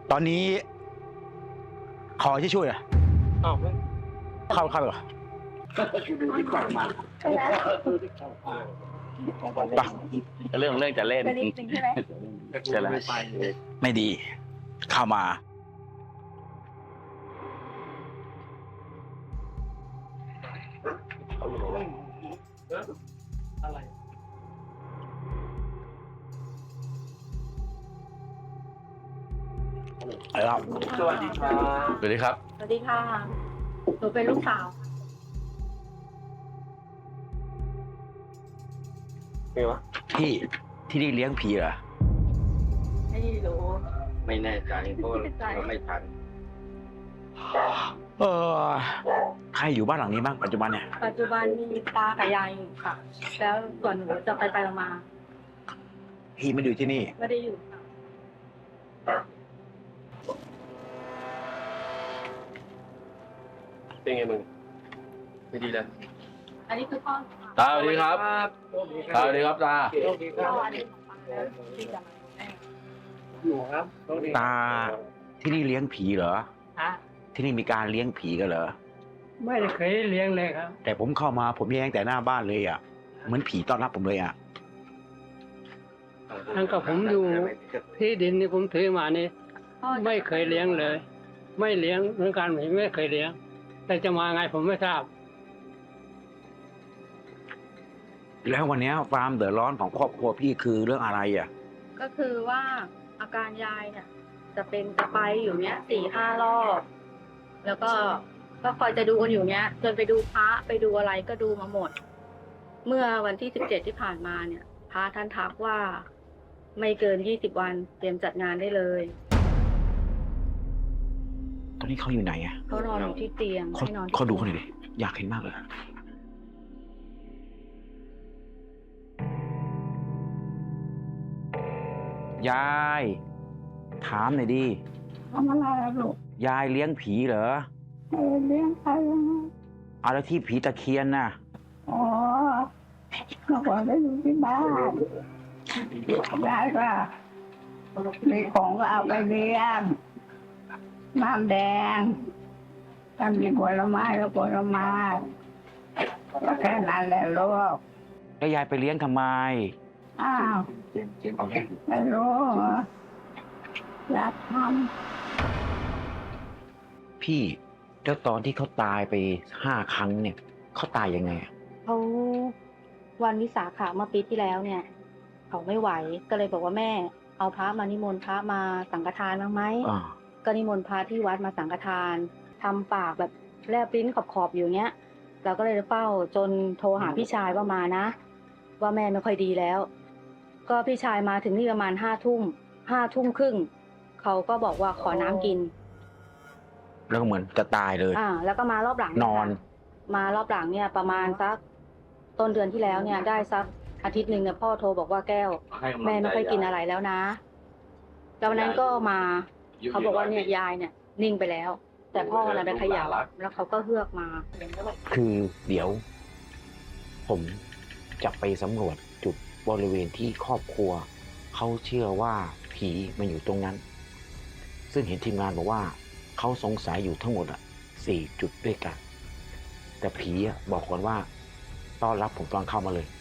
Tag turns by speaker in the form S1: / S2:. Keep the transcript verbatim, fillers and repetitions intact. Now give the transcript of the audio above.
S1: ตอนนี้ขอที่ช่วยอ่ะ
S2: อ้าว
S1: เข้าเข้าไปก่อนไป
S3: เรื่องเรื่องจะเล่น
S4: จะนิดนึงใช่ไหม
S3: ใช่แล้ว
S1: ไม่ดี เข้ามา
S2: อะไร
S1: เอาละ
S2: สวัสดีครับ
S3: สวัสดีครับ
S4: สวัสดีค่ะ หนูเป็นลูกสาว
S2: เป็นวะ
S1: พี่ที่นี่เลี้ยงผีเหรอ
S4: ไม่รู้
S3: ไม่แน่ใจเพราะเราไม่ทัน
S1: เออใครอยู่บ้านหลังนี้บ้างปัจจุบันเนี่ย
S4: ปัจจุบันมีตากับยายอยู่ค่ะ แล้วส่วนหนูจะไปไปๆมา
S1: พี่ไม่ได้อยู่ที่นี่
S4: ๆไม่ได้อยู่ค่ะ
S2: เป็นไงมึงไม่ดีเลย
S4: อันนี้คือพ่อ
S3: ตาสวัสดีครับตาสวัสดีครับตา
S2: โชคดีค
S4: พ่
S2: รั
S4: อบ อันนี้ของป้าแล้วที่จะมาแม่
S2: อยู่ครับโชคดี
S1: ตาที่นี่เลี้ยงผีเหรอ
S5: ฮะ
S1: ที่นี่มีการเลี้ยงผีกันเหรอ
S5: ไม่ได้เคยเลี้ยงเลยครับ
S1: แต่ผมเข้ามาผมแย่งแต่หน้าบ้านเลยอ่ะ เหมือนผีต้อนรับผมเลยอ่ะ
S5: ทั้งกับผมอยู่ที่ดินที่ผมถือมานี่
S4: พ่อ
S5: ไม่เคยเลี้ยงเลย ไม่เลี้ยงเหมือนกันผมไม่เคยเลี้ยง แต่จะมาไงผมไม่ทราบ
S1: แล้ววันนี้ความเดือดร้อนของครอบครัวพี่คือเรื่องอะไรอ่ะ
S4: ก็คือว่าอาการยายเนี่ย จะเป็นจะไปอยู่เนี้ยสี่ห้ารอบ แล้วก็ก็คอยจะดูกันอยู่เนี้ย จนไปดูพระไปดูอะไรก็ดูมาหมด เมื่อวันที่สิบเจ็ดที่ผ่านมาเนี่ย พระท่านทักว่า ไม่เกินยี่สิบวันเตรียมจัดงานได้เลย
S1: ตอนนี้เขาอยู่ไหนอ่ะ
S4: เขานอนอยู่ที่เตียง
S1: เขา
S4: ให้นอนที่
S1: เขาดูเขาหน่อยดิอยากเห็นมากเลยยาย ถามหน่อยดิ
S6: ทำอะไรอะลูก
S1: ยายเลี้ยงผีเหรอ
S6: เออเลี้ยงใครอะ
S1: เอาแล้วที่ผีตะเคียนน่ะ
S6: อ๋อเมื่อก่อนได้อยู่ที่บ้านยายก็มีของก็เอาไปเลี้ยงน้ำแดงถ้ามีผลไม้ก็ผลไม้ก็แค่นั้นแหละลูก
S1: แล้วยายไปเลี้ยงทำไม
S6: อ้าวไม่รู้เหรออยากท
S1: พี่แล้วตอนที่เขาตายไปห้าครั้งเนี่ยเขาตายยังไงอะ
S4: เขาวันวิสาขะเมื่อปีที่แล้วเนี่ย เขาไม่ไหวก็เลยบอกว่าแม่ เอาพระมานิมนต์พระมาสังฆทานบ้างไหม
S1: อ่า
S4: ก็นิมนต์พระที่วัดมาสังฆทานทำปากแบบแลบลิ้นขอบๆอยู่เงี้ยเราก็เลยเฝ้าจนโทรหาพี่ชายว่ามานะ ว่าแม่ไม่ค่อยดีแล้ว ก็พี่ชายมาถึงนี่ประมาณห้าทุ่มห้าทุ่มครึ่งเขาก็บอกว่าขอน้ำกิน
S1: แล้วก็เหมือนจะตายเลย
S4: อ่า แล้วก็มารอบหลัง
S1: นอน
S4: มารอบหลังเนี่ย ประมาณสักต้นเดือนที่แล้วเนี่ย ได้สักอาทิตย์หนึ่งเนี่ยพ่อโทรบอกว่าแก้ว แม่ไม่ค่อยกินอะไรแล้วนะแล้ววันนั้นก็มาเขาบอกว่าเนี่ยยายเนี่ย นิ่งไปแล้ว แต่พ่อน่ะไปเขย่าแล้วเขาก็เฮือกมา
S1: คือเดี๋ยว ผมจะไปสำรวจจุดบริเวณที่ครอบครัว เขาเชื่อว่าผีมันอยู่ตรงนั้น ซึ่งเห็นทีมงานบอกว่า เขาสงสัยอยู่ทั้งหมดอ่ะสี่จุดด้วยกัน แต่ผีอ่ะบอกก่อนว่าต้อนรับผมตอนเข้ามาเลย